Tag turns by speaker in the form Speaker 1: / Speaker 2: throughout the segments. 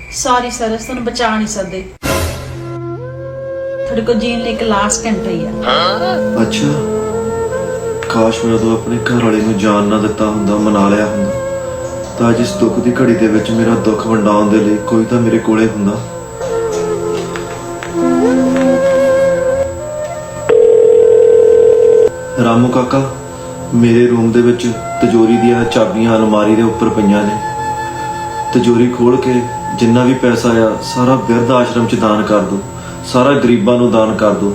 Speaker 1: Sorry sir अस तुहानू बचा नहीं सकते थोड़े को जीन लिए एक लास्ट घंटा ही है।
Speaker 2: अच्छा काश मैं उदों अपने घर वाले ਨੂੰ ਜਾਨ ਨਾ ਦਿੱਤਾ ਹੁੰਦਾ, ਮਨਾ ਲਿਆ ਹੁੰਦਾ ਤਾਂ ਅੱਜ ਇਸ ਦੁੱਖ ਦੀ ਘੜੀ ਦੇ ਵਿੱਚ ਮੇਰਾ ਦੁੱਖ ਵੰਡਾਉਣ ਦੇ ਲਈ ਕੋਈ ਤਾਂ ਮੇਰੇ ਕੋਲੇ ਹੁੰਦਾ। ਰਾਮੂ ਕਾਕਾ ਮੇਰੇ ਰੂਮ ਦੇ ਵਿੱਚ ਤਿਜੋਰੀ ਦੀਆਂ ਚਾਬੀਆਂ ਅਲਮਾਰੀ ਦੇ ਉੱਪਰ ਪਈਆਂ ਨੇ। ਤਿਜੋਰੀ ਖੋਲ ਕੇ ਜਿੰਨਾ ਵੀ ਪੈਸਾ ਆ ਸਾਰਾ ਬਿਰਧ ਆਸ਼ਰਮ 'ਚ ਦਾਨ ਕਰ ਦਿਓ, ਸਾਰਾ ਗਰੀਬਾਂ ਨੂੰ ਦਾਨ ਕਰ ਦਿਓ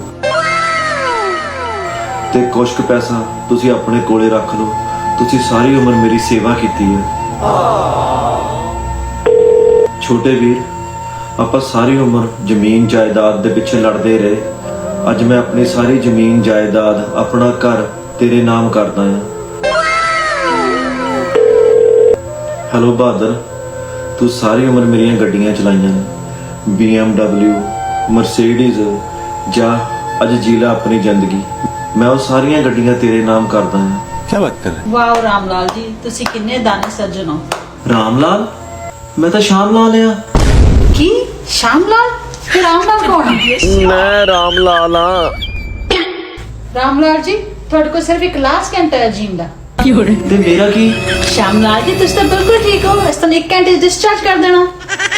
Speaker 2: ਤੇ ਕੁਝ ਕੁ ਪੈਸਾ ਤੁਸੀਂ ਆਪਣੇ ਕੋਲੇ ਰੱਖ ਲਓ। ਤੁਸੀਂ ਸਾਰੀ ਉਮਰ ਮੇਰੀ ਸੇਵਾ ਕੀਤੀ ਹੈ। ਛੋਟੇ ਵੀਰ ਆਪਾਂ ਸਾਰੀ ਉਮਰ ਜ਼ਮੀਨ ਜਾਇਦਾਦ ਦੇ ਪਿੱਛੇ ਲੜਦੇ ਰਹੇ। ਅੱਜ ਮੈਂ ਆਪਣੀ ਸਾਰੀ ਜ਼ਮੀਨ ਜਾਇਦਾਦ ਆਪਣਾ ਘਰ ਤੇਰੇ ਨਾਮ ਕਰਦਾ ਹਾਂ। ਹੈਲੋ ਬਹਾਦਰ, ਤੂੰ ਸਾਰੀ ਉਮਰ ਮੇਰੀਆਂ ਗੱਡੀਆਂ ਚਲਾਈਆਂ ਨੇ, BMW ਮਰਸੀਡੀਜ਼, ਜਾ ਅੱਜ ਜੀ ਲੈ ਆਪਣੀ ਜ਼ਿੰਦਗੀ। ਮੈਂ ਉਹ ਸਾਰੀਆਂ ਗੱਡੀਆਂ ਤੇਰੇ ਨਾਮ ਕਰਦਾ ਹਾਂ।
Speaker 3: क्या बात कर रहे हैं?
Speaker 1: वाह राम लाल जी तुसी किन्ने दाने सज्जन हो।
Speaker 2: राम लाल? मैं तो श्याम लाल आ।
Speaker 1: की श्याम लाल? फिर राम लाल कौन है?
Speaker 3: मैं राम लाल हाँ।
Speaker 1: राम लाल जी थोड़े को सिर्फ एक लास्ट घंटा है जीन दा।
Speaker 2: ते मेरा की?
Speaker 1: श्याम लाल जी तुसी तो बिल्कुल ठीक हो, इस तो 1 घंटे डिस्चार्ज कर देना।